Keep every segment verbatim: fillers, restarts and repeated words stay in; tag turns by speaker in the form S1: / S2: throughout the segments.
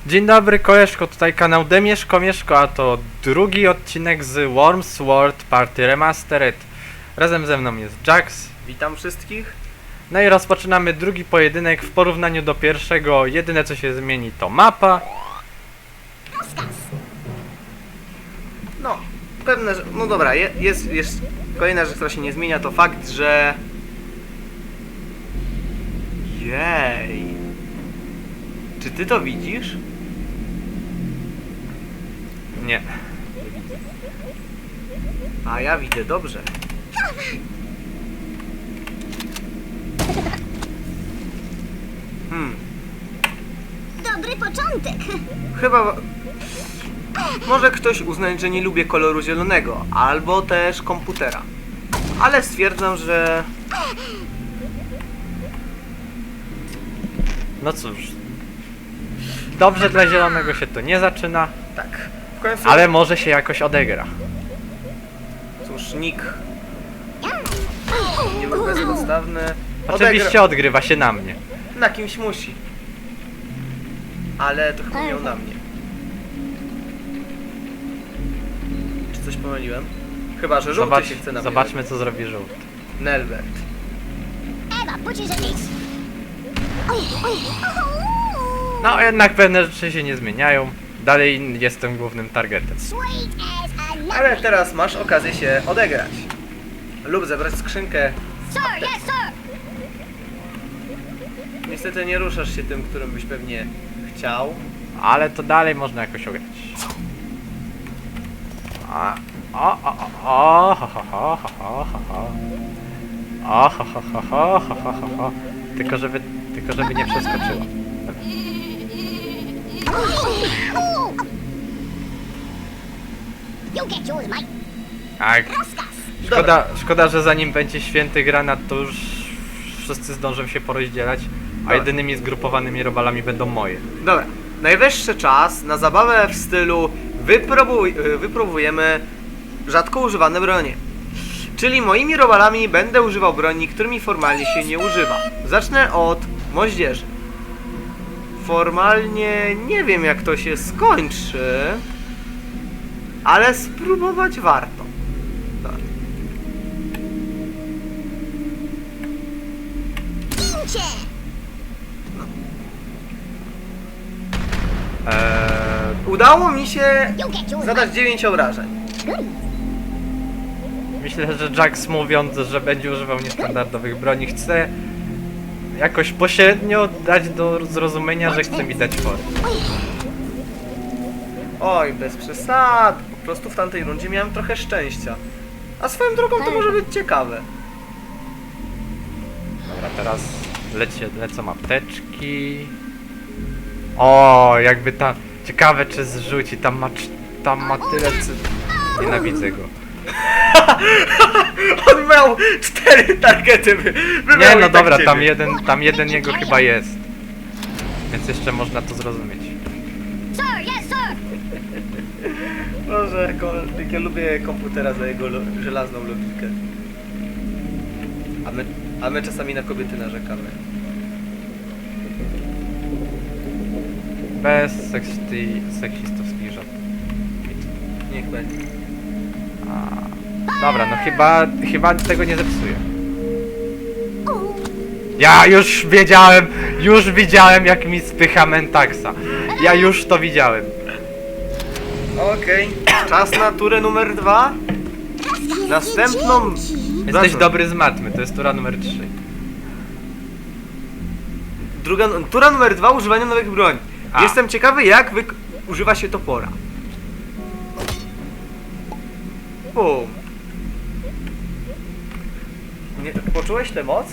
S1: Dzień dobry koleżko, tutaj kanał Demieszko Mieszko, a to drugi odcinek z Worms Sword Party Remastered. Razem ze mną jest Jax.
S2: Witam wszystkich.
S1: No i rozpoczynamy drugi pojedynek. W porównaniu do pierwszego jedyne co się zmieni to mapa.
S2: No, pewne, że... No dobra, je, jest, jest kolejna rzecz, która się nie zmienia, to fakt, że... Jej. Czy ty to widzisz?
S1: Nie.
S2: A ja widzę dobrze. Hmm,
S3: Dobry początek.
S2: chyba... Może ktoś uznać, że nie lubię koloru zielonego, albo też komputera. Ale stwierdzam, że...
S1: No cóż. Dobrze dla zielonego się to nie zaczyna,
S2: Tak. W końcu...
S1: ale może się jakoś odegra.
S2: Cóż, nick nie był bezpodstawny.
S1: Oczywiście odgrywa się na mnie.
S2: Odegra... Na kimś musi. Ale to chyba miał na mnie. Czy coś pomyliłem? Chyba, że żółty
S1: Zobacz,
S2: się chce na mnie.
S1: zobaczmy co zrobi żółty.
S2: Nelbert.
S3: Ewa, butchers at least.
S1: No jednak pewne rzeczy się nie zmieniają. Dalej jestem głównym targetem.
S3: Sweet as a nut.
S2: Ale teraz masz okazję się odegrać. Lub zebrać skrzynkę.
S3: Sir, yes, sir.
S2: Niestety nie ruszasz się tym, którym byś pewnie chciał.
S1: Ale to dalej można jakoś ograć. A, o, o, o, o, ho, ho, ho, ho, ho, ho, ho. O, ho, ho, ho, ho, ho, ho, ho, ho. Tylko żeby, tylko żeby nie przeskoczyła.
S3: You get yours, mate.
S1: Tak.
S3: Raskas.
S1: Szkoda, szkoda, że zanim będzie święty granat, to już wszyscy zdążą się porozdzielać, a
S2: Dobra.
S1: jedynymi zgrupowanymi robalami będą moje.
S2: Dobra, najwyższy czas na zabawę w stylu wypróbuj, wypróbujemy rzadko używane bronie. Czyli moimi robalami będę używał broni, którymi formalnie się nie używa. Zacznę od moździerzy. Formalnie nie wiem jak to się skończy, ale spróbować warto. Dobra.
S3: Pincie.
S1: Eee,
S2: Udało mi się
S3: You get yours,
S2: zadać
S3: mate.
S2: dziewięć obrażeń.
S3: Good.
S1: myślę, że Jax mówiąc, że będzie używał niestandardowych broni, chce jakoś pośrednio dać do zrozumienia, że chce mi dać fory.
S2: Oj, bez przesad. Po prostu w tamtej rundzie miałem trochę szczęścia. A swoją drogą to może być ciekawe.
S1: Dobra, teraz lecie, lecą apteczki. O, jakby tam... Ciekawe czy zrzuci, tam ma, cz- tam ma tyle cy... Nienawidzę go.
S2: On miał cztery targety. By, by
S1: Nie,
S2: miał
S1: no
S2: i tak
S1: dobra, tam
S2: ciebie.
S1: jeden, tam jeden jego chyba jest. Więc jeszcze można to zrozumieć.
S3: Sir, yes, sir.
S2: Boże, jak, jak ja lubię komputera za jego lo żelazną logikę. A my, a my czasami na kobiety narzekamy.
S1: Bez seksty, seksistowskich żart.
S2: Niech będzie.
S1: Dobra, no chyba, chyba tego nie zepsuję. Ja już wiedziałem, już widziałem jak mi spycha Mentaxa. Ja już to widziałem.
S2: Okej, czas na turę numer dwa. Następną...
S1: Jesteś
S2: Zaczął.
S1: dobry z matmy, to jest tura numer trzy.
S2: Druga, tura numer dwa, używanie nowych broni.
S1: A.
S2: Jestem ciekawy jak wyk- używa się topora. Bum. Nie, poczułeś tę moc?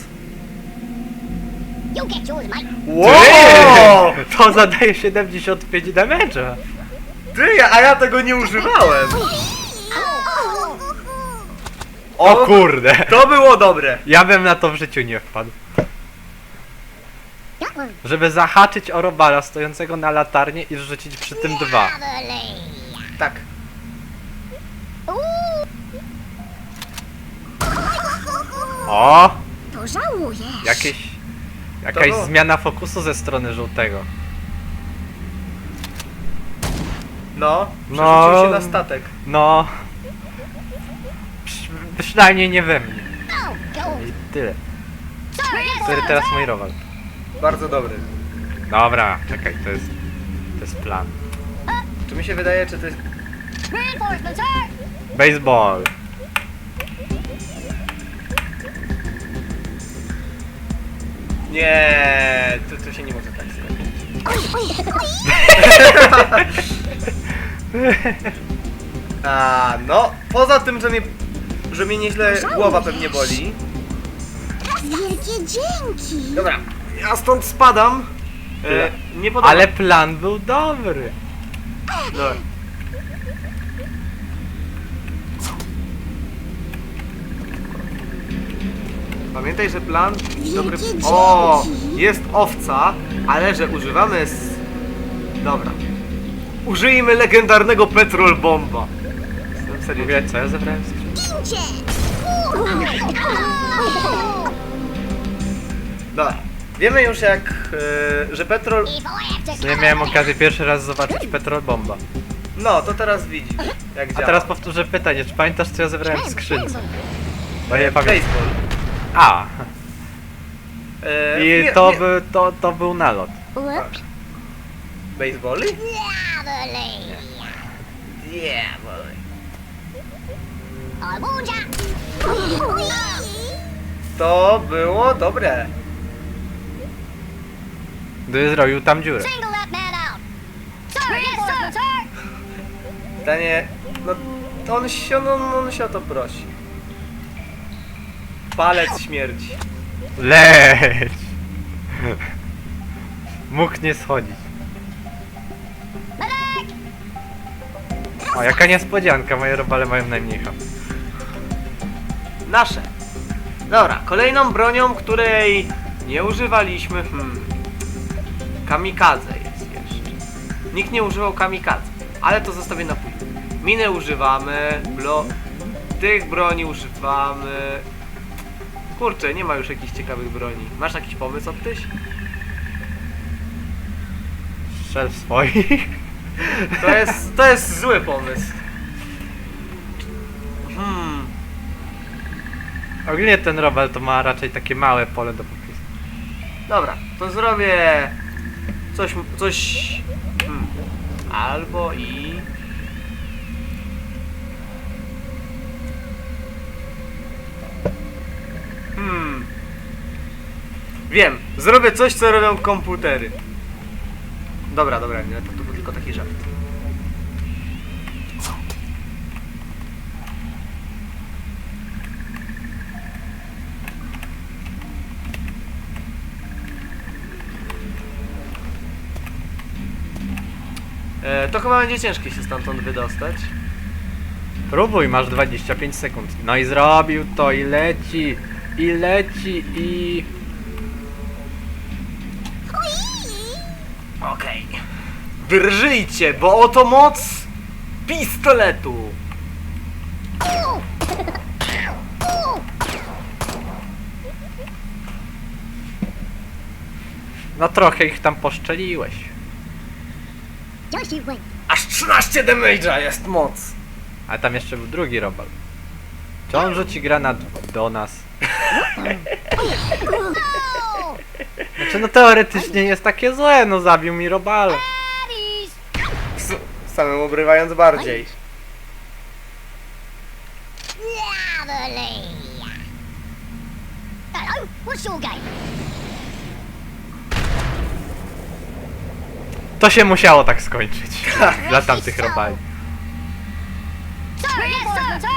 S3: You get yours, mate.
S2: Wow!
S1: Ty, to zadaje siedemdziesiąt pięć damage'a.
S2: Ty, a ja tego nie używałem.
S1: O kurde.
S2: To było dobre.
S1: Ja bym na to w życiu nie wpadł.
S3: That one.
S1: Żeby zahaczyć o robala stojącego na latarnie i rzucić przy tym dwa.
S3: Lovely.
S2: Tak.
S3: Ooh.
S1: O!
S3: To żałujesz.
S1: Jakieś... Jakaś
S2: To-
S1: zmiana fokusu ze strony żółtego.
S2: No,
S1: No.
S2: przerzucił się na statek.
S1: No... Przy, przynajmniej nie we mnie.
S3: Oh, go.
S1: I tyle.
S3: Sir, yes,
S1: Który
S3: sir.
S1: teraz mój robal.
S2: Bardzo dobry.
S1: Dobra, czekaj, to jest... To jest plan.
S2: Czy mi się wydaje, czy to jest...
S3: Reinforcements, sir.
S1: Baseball.
S2: Nie, to, to się nie może tak skończyć. A, no, poza tym, że mnie, że mnie nieźle głowa pewnie boli.
S3: Wielkie dzięki.
S2: Dobra, ja stąd spadam. E, nie podoba.
S1: Ale plan był dobry.
S2: Dobra. Pamiętaj, że plan dobry...
S3: Wielkie
S2: O,
S3: dzięki.
S2: jest owca, ale że używamy z... Dobra. Użyjmy legendarnego petrol bomba. Jestem
S1: W
S2: serio.
S1: ogóle co ja zebrałem w skrzynce?
S3: Cię.
S2: Dobra. Wiemy już jak, e, że petrol...
S1: No ja miałem okazję pierwszy raz zobaczyć petrol bomba.
S2: No, to teraz widzisz, jak
S1: A
S2: działa.
S1: teraz powtórzę pytanie, czy pamiętasz co ja zebrałem w skrzynce? Bo nie pamiętam.
S2: Baseball.
S1: A,
S2: E,
S1: i
S2: nie-
S1: to,
S2: nie-
S1: by, to, to był nalot.
S3: Whoops.
S2: Baseballi?
S3: Diaboli.
S2: Yeah, boy.
S3: Albuja.
S2: To było dobre.
S1: Gdy zrobił tam dziurę.
S3: Single that man out. Sir, yes, sir. Sir.
S2: Pytanie, no to on się, no, no, on się o to prosi. Palec śmierci.
S1: Leć! Mógł nie schodzić.
S3: Medic.
S1: O, jaka niespodzianka, moje robale mają najmniej ham.
S2: Nasze. Dobra, kolejną bronią, której nie używaliśmy, hmm. Kamikadze jest jeszcze. Nikt nie używał kamikadze, ale to zostawię na później. Miny używamy, blo... tych broni używamy. Kurczę, nie ma już jakichś ciekawych broni. Masz jakiś pomysł, Optyś?
S1: Strzel w swoich.
S2: To jest, to jest zły pomysł. Hmm.
S1: Ogólnie ten robal to ma raczej takie małe pole do popisu.
S2: Dobra, to zrobię coś, coś, hmm. albo i... Hmm. Wiem, zrobię coś, co robią komputery. Dobra, dobra, nie, to, to był tylko taki żart. E, to chyba będzie ciężkie się stamtąd wydostać.
S1: Próbuj, masz dwadzieścia pięć sekund. No i zrobił to i leci, i leci, i...
S2: Okej. Drżyjcie, bo oto moc pistoletu.
S1: No trochę ich tam poszczeliłeś.
S3: Just you wait.
S2: Aż trzynaście damage'a jest moc.
S1: A tam jeszcze był drugi robal. Czy on rzuci granat do nas?
S3: Oh,
S1: Znaczy no teoretycznie jest takie złe, no zabił mi robale.
S3: baddies.
S2: S samym obrywając bardziej.
S3: Diaboli. Hello, what's your game?
S1: To się musiało tak skończyć. Dla tamtych robali.
S3: Sir, yes, sir. Sir.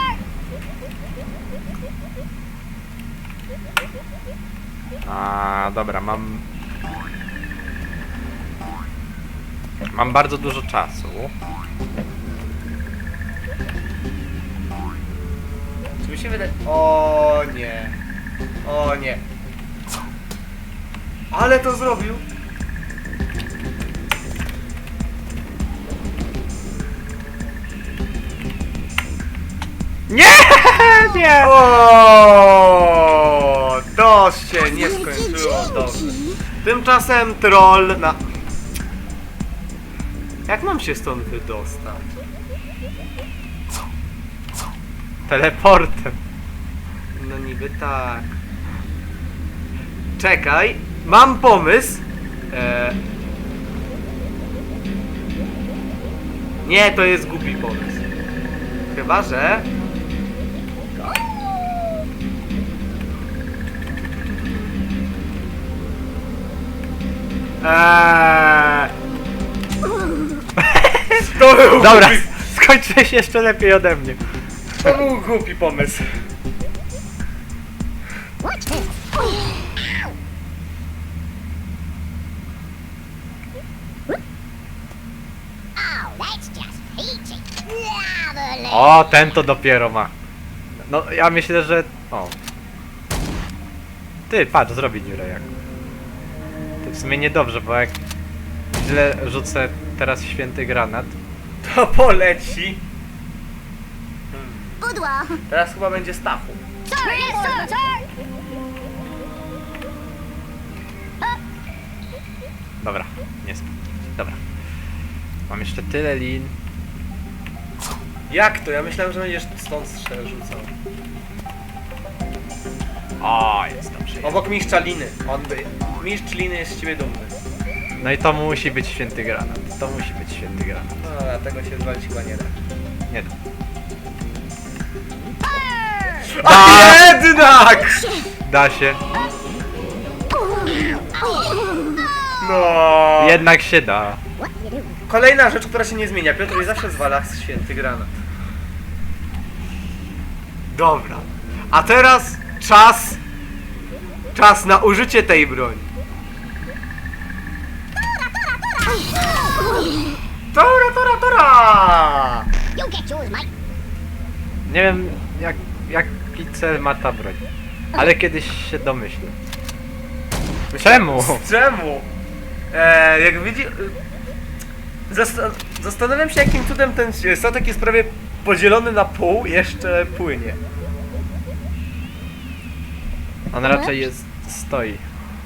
S1: A dobra, mam... Mam bardzo dużo czasu.
S2: Czy mi się wydaje... O nie. O nie. Ale to zrobił.
S1: Nie! Nie!
S2: O, to się nie skończyło dobrze. Tymczasem troll na... Jak mam się stąd wydostać?
S1: Teleportem.
S2: No niby tak. Czekaj, mam pomysł. E... Nie, to jest głupi pomysł. Chyba, że... Eee... To był
S1: Dobra,
S2: głupi,
S1: skończyłeś jeszcze lepiej ode mnie.
S2: to był głupi pomysł.
S3: Watch this. Ow. Oh, that's just peachy. Lovely.
S1: O, ten to dopiero ma. No, ja myślę, że... O. Ty, patrz, zrobi dziurę jak. To w sumie niedobrze, bo jak źle rzucę teraz święty granat.
S2: To poleci.
S3: Boudoir.
S2: Teraz chyba będzie Stachu.
S3: Sir, yes, sir, sir.
S1: Dobra, nie sp... Dobra. Mam jeszcze tyle lin.
S2: Jak to? Ja myślałem, że będziesz stąd strzel rzucał.
S1: O, jest dobrze. Jest.
S2: Obok mistrza liny. On by... Mistrz liny jest z ciebie dumny.
S1: No i to musi być święty granat. To musi być święty granat.
S2: No, a tego się zwalić chyba nie da.
S1: Nie da.
S2: A jednak!
S1: Da się.
S2: No.
S1: Jednak się da.
S3: What you do?
S2: Kolejna rzecz, która się nie zmienia. Piotr zawsze zwala święty granat. Dobra. A teraz czas... Czas na użycie tej broni. Tora, tora, tora!
S3: You get yours, mate.
S1: Nie wiem, jak, jaki cel ma ta broń. Ale kiedyś się domyślę. Czemu?
S2: Czemu? Eee, jak widzi... Zasta zastanawiam się, jakim cudem ten statek jest prawie podzielony na pół i jeszcze płynie.
S1: On raczej jest... stoi.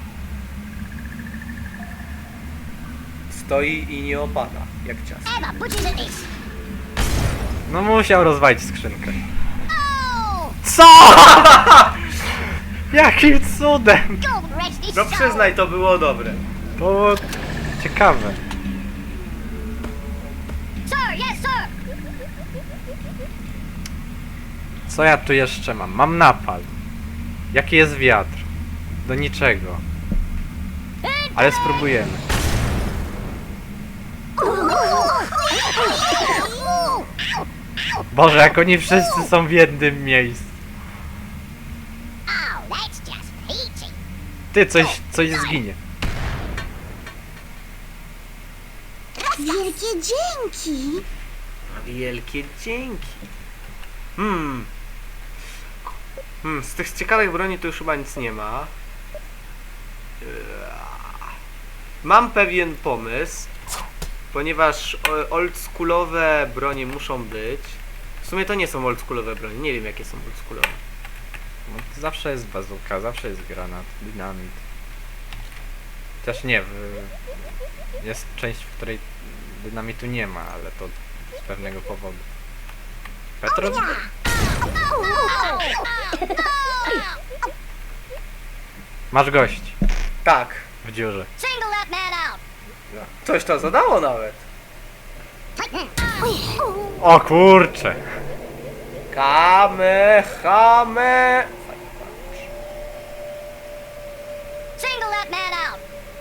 S2: Stoi i nie opada, jak ciasto.
S3: Emma, butchers at this.
S1: No musiał rozwalić skrzynkę.
S3: Oh!
S1: Co? Jakim cudem?
S3: God rest his
S2: No
S3: soul.
S2: przyznaj, to było dobre.
S1: To było ciekawe.
S3: Sir, yes, sir.
S1: Co ja tu jeszcze mam? Mam napal. Jaki jest wiatr? Do niczego. Ale spróbujemy. Boże, jak oni wszyscy są w jednym miejscu.
S3: Oh, that's just peachy.
S1: Ty, coś, coś zginie.
S3: Wielkie dzięki.
S2: Wielkie dzięki. Hmm. Hmm, z tych ciekawych broni to już chyba nic nie ma. Eee. Mam pewien pomysł, ponieważ o- oldschoolowe bronie muszą być. W sumie to nie są oldschoolowe bronie, nie wiem jakie są oldschoolowe.
S1: No, zawsze jest bazuka, zawsze jest granat, dynamit. Chociaż nie, w... jest część, w której dynamitu nie ma, ale to z pewnego powodu. Petro? Masz gości
S2: Tak.
S1: w dziurze.
S3: Single that man out.
S2: Coś to zadało nawet.
S1: O kurcze!
S2: Kamehame.
S3: Single that man out.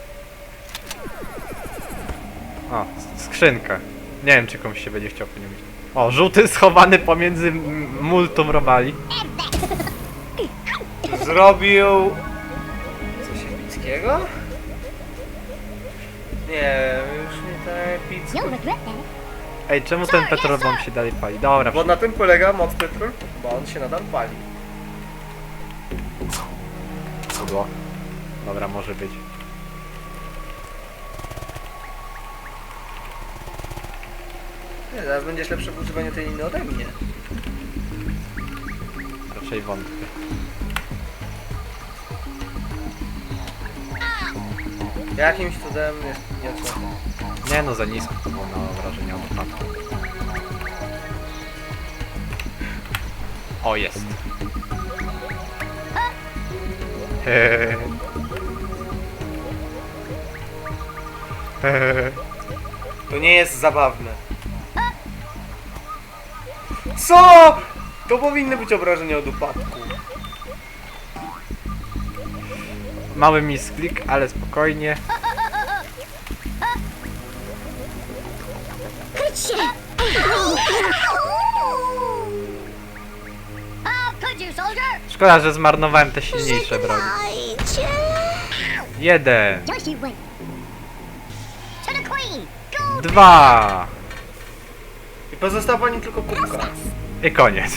S1: O, s- skrzynka. Nie wiem, czy komuś się będzie chciał po nią iść. O, żółty schowany pomiędzy m- multum robali.
S2: Zrobił... coś epickiego? Nie, już nie tak epicko.
S3: You'll regret that.
S1: Ej, czemu ten petrol wam się dalej pali? Dobra,
S2: Bo na tym polega moc petrol, bo on się nadal pali.
S1: pudło. Dobra, może być.
S2: Nie, zaraz będziesz lepszy w używaniu tej liny ode mnie.
S1: Raczej wątpię.
S2: Jakimś cudem jest nie co.
S1: Nie no, za nisko to było na wrażenie od upadku. O, jest. Hehehe. Hehehe.
S2: To nie jest zabawne. Co? To powinny być obrażenia od upadku.
S1: Mały misklik, ale spokojnie.
S3: How could you, soldier?
S1: Szkoda, że zmarnowałem te silniejsze broni. Jeden.
S3: Just you wait. To the queen. Go.
S1: Dwa.
S2: I pozostała pani tylko kubka.
S1: I koniec.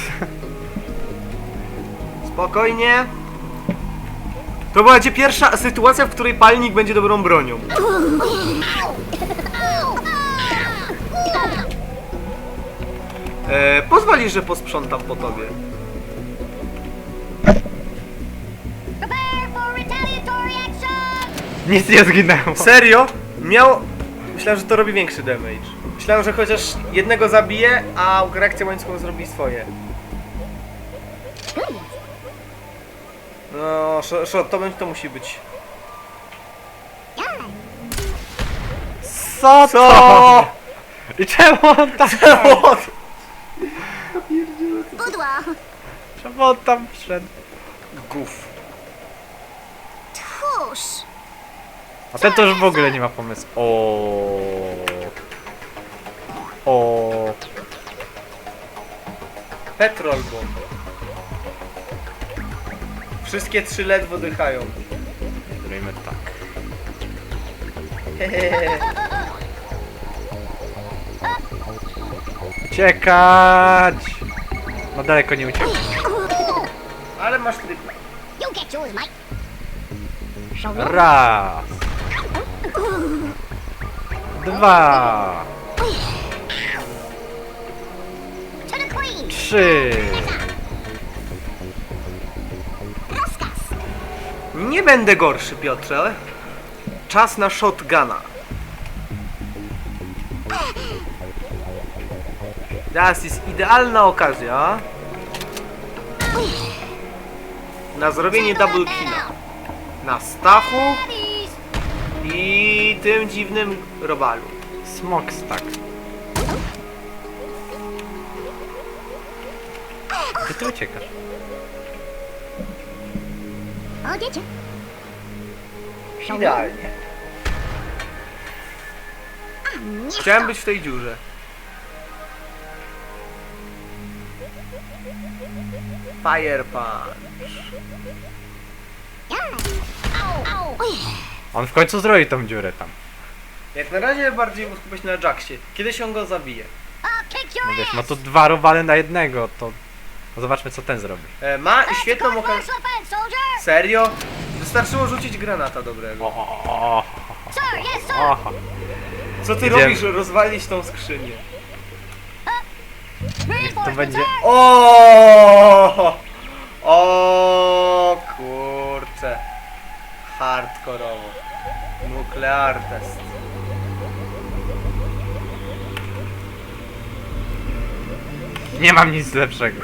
S2: Spokojnie. To będzie pierwsza sytuacja, w której palnik będzie dobrą bronią. E, pozwolisz, że posprzątam po tobie.
S3: Prepare for retaliatory action.
S1: Nic nie zginęło.
S2: Serio? Miał... Myślałem, że to robi większy damage. Myślałem, że chociaż jednego zabije, a reakcja łańcuchową zrobi swoje. No, shot, shot to, będzie- to musi być.
S1: Co
S2: Co?
S1: to? I czemu on tam...
S3: Boudoir.
S1: Czemu on tam wszedł?
S2: Guf.
S3: Tush.
S1: A ten to już w ogóle nie ma pomysłu. O. O.
S2: Petrol bomb. Wszystkie trzy ledwo dychają.
S1: Zrobimy tak. Uciekać! No daleko nie uciekł.
S2: Ale masz tryb.
S3: You get yours, mate. Shoulder.
S1: Raz. Dwa.
S3: To the queen.
S1: Trzy.
S2: Nie będę gorszy, Piotrze. Czas na shotguna. Teraz jest idealna okazja na zrobienie double killa. Na Stachu
S3: Buddies.
S2: i tym dziwnym robalu.
S1: Smok stack. Gdzie ty uciekasz?
S3: I'll get you.
S2: Idealnie. Chciałem być w tej dziurze. Fire punch.
S1: On w końcu zrobi tą dziurę tam.
S2: Jak na razie bardziej skupię się na Jacksie. Kiedyś on go zabije.
S3: I'll kick your
S1: No wiesz,
S3: ass.
S1: no to dwa robale na jednego, to... No zobaczmy co ten zrobi.
S2: E, ma
S3: Let's
S2: świetną
S3: go
S2: okazję.
S3: first offense, soldier.
S2: Serio? Wystarczyło rzucić granata dobrego.
S1: O,
S3: Sir, yes, sir.
S1: o,
S2: Co ty
S1: Idziemy.
S2: robisz? Rozwalić tą skrzynię.
S3: Reinforcements,
S1: będzie-
S3: sir.
S2: O! O kurcze. Hardkorowo. Nuclear test.
S1: nie mam nic lepszego.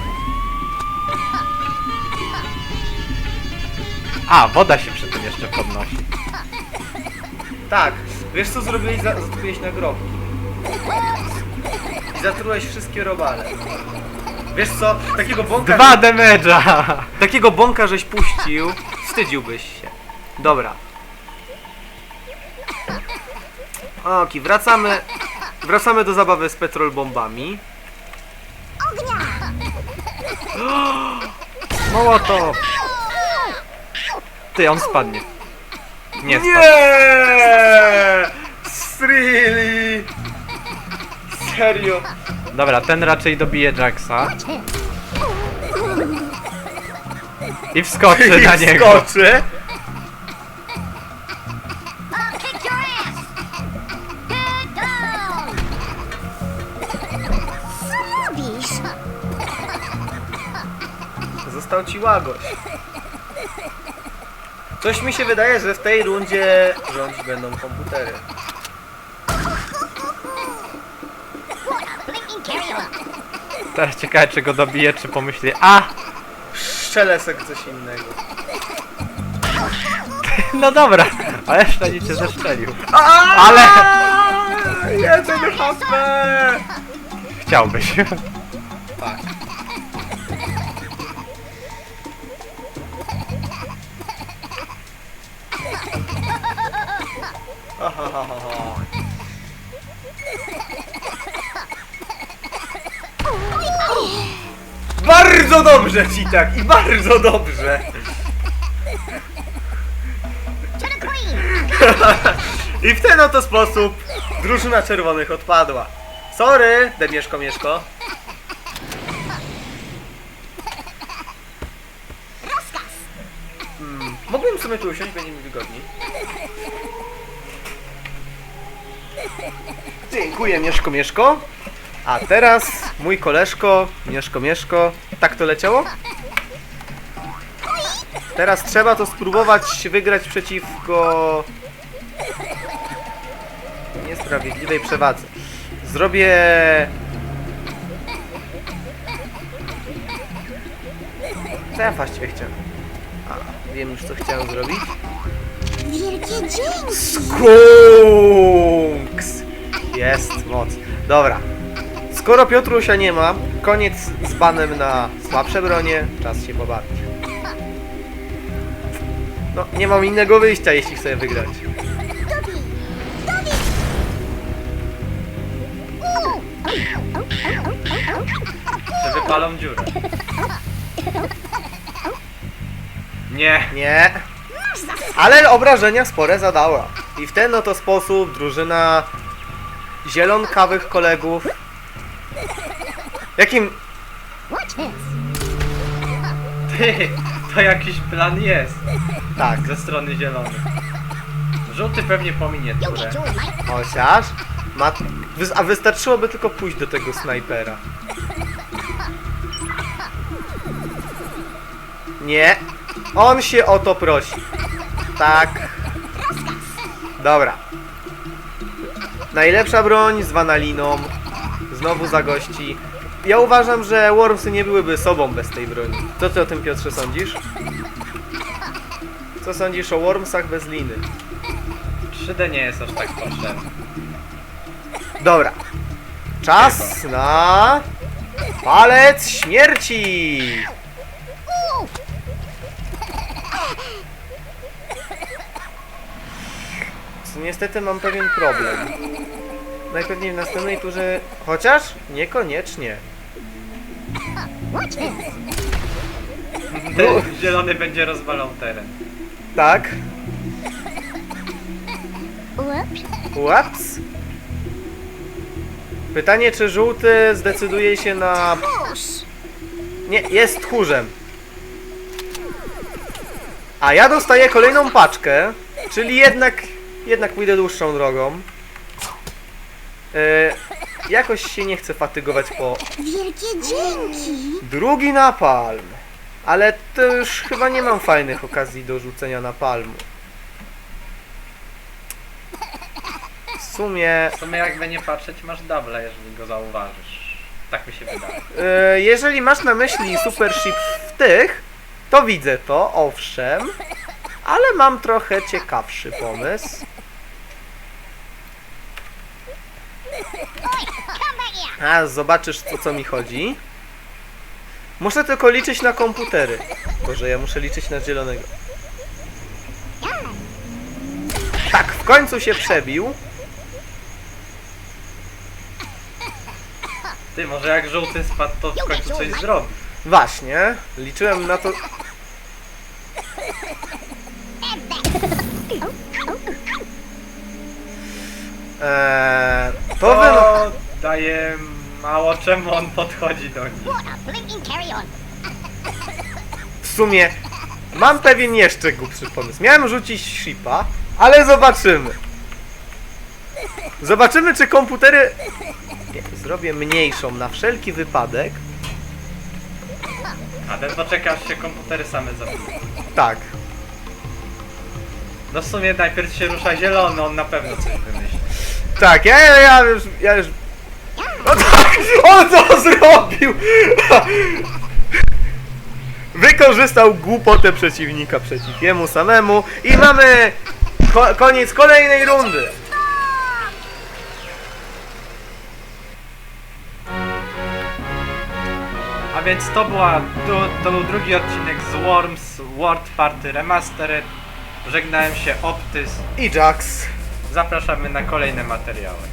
S1: A, woda się przy tym jeszcze podnosi.
S2: Tak. Wiesz co zrobiłeś? Za- Zatrułeś nagrobki. I zatrułeś wszystkie robale. Wiesz co? Takiego bąka...
S1: Dwa damage'a!
S2: Takiego bąka żeś puścił. Wstydziłbyś się. Dobra. Oki, wracamy. Wracamy do zabawy z petrol bombami.
S1: Mołotow! Ty, on spadnie. Nie spadł.
S2: Nie! Really? Serio?
S1: Dobra, ten raczej dobije Jacksa. I wskoczy na
S2: I
S1: niego.
S2: skoczy.
S3: I'll kick your ass. Get down. Smobisz.
S2: Został ci łagoś. Coś mi się wydaje, że w tej rundzie rządzić będą komputery.
S1: Teraz ciekawe, czy go dobije, czy pomyśli, a!
S2: Strzelesek coś innego.
S1: No dobra, ale jeszcze cię zestrzelił.
S2: Ale... jeden H P!
S1: Chciałbyś.
S2: Tak. Ahahaha. Bardzo dobrze ci tak i bardzo dobrze.
S3: To the queen!
S2: I w ten oto sposób drużyna czerwonych odpadła. Sorry, Demieszko Mieszko. Hmm, mógłbym sobie tu usiąść, będzie mi wygodniej. Dziękuję, Mieszko Mieszko. A teraz mój koleżko, Mieszko Mieszko. Tak to leciało? Teraz trzeba to spróbować wygrać przeciwko niesprawiedliwej przewadze. Zrobię... Co ja właściwie chciałem? A, wiem już co chciałem zrobić.
S3: Wielkie dzięki!
S2: Skunks! Jest moc. Dobra. Skoro Piotrusia nie ma, koniec z banem na słabsze bronie, czas się pobawić. No, nie mam innego wyjścia, jeśli chcę wygrać.
S3: Dobby! Dobby!
S1: Czy wypalą dziurę? Nie.
S2: Nie. Ale obrażenia spore zadała. I w ten oto sposób drużyna zielonkawych kolegów... Jakim...
S3: Watch this!
S1: Ty, to jakiś plan jest.
S2: Tak.
S1: Ze strony zielonych. Żółty pewnie pominie
S3: You'll
S1: turę.
S3: get yours, mate!
S2: Chociaż... Ma... wys- A wystarczyłoby tylko pójść do tego snajpera. Nie. On się o to prosi. Tak. Dobra. Najlepsza broń z wanaliną. Znowu zagości. Ja uważam, że Wormsy nie byłyby sobą bez tej broni. Co ty o tym, Piotrze, sądzisz? Co sądzisz o Wormsach bez liny?
S1: trzy D nie jest aż tak potrzebne.
S2: Dobra. Czas na... Palec śmierci! Co, niestety mam pewien problem. Najpewniej w następnej turze... Chociaż niekoniecznie.
S3: Watch this!
S1: Ten zielony będzie rozwalał teren.
S2: Tak.
S3: Whoops!
S2: Ups. Pytanie, czy żółty zdecyduje się na...
S3: Push!
S2: Nie, jest tchórzem. A ja dostaję kolejną paczkę, czyli jednak, jednak pójdę dłuższą drogą. E, jakoś się nie chcę fatygować po
S3: Wielkie dzięki!
S2: drugi napalm. Ale to już chyba nie mam fajnych okazji do rzucenia napalmu. W sumie,
S1: W sumie jakby nie patrzeć, masz double, jeżeli go zauważysz. Tak mi się wydaje.
S2: e, jeżeli masz na myśli Super Ship w tych, to widzę to, owszem. Ale mam trochę ciekawszy pomysł.
S3: Come back here!
S2: A, zobaczysz, o co mi chodzi. Muszę tylko liczyć na komputery. Boże, ja muszę liczyć na zielonego. Tak, w końcu się przebił.
S1: Ty, może jak żółty spadł, to w końcu coś zrobi.
S2: Właśnie, liczyłem na to... Eee, to wy...
S1: To daje mało, czemu on podchodzi do nich.
S3: What a blinking carry on!
S2: W sumie mam pewien jeszcze głupszy pomysł. Miałem rzucić shipa, ale zobaczymy. Zobaczymy, czy komputery... Nie, zrobię mniejszą na wszelki wypadek.
S1: A ten poczeka, aż się komputery same zabiją.
S2: Tak.
S1: No w sumie najpierw się rusza zielony, on na pewno coś wymyśli.
S2: Tak, ja, ja, ja już... Ja już... No tak, on to zrobił! Wykorzystał głupotę przeciwnika przeciw jemu samemu i mamy ko koniec kolejnej rundy.
S1: A więc to była, to, to był drugi odcinek z Worms World Party Remastered. Żegnałem się, Optys.
S2: I Jax.
S1: Zapraszamy na kolejne materiały.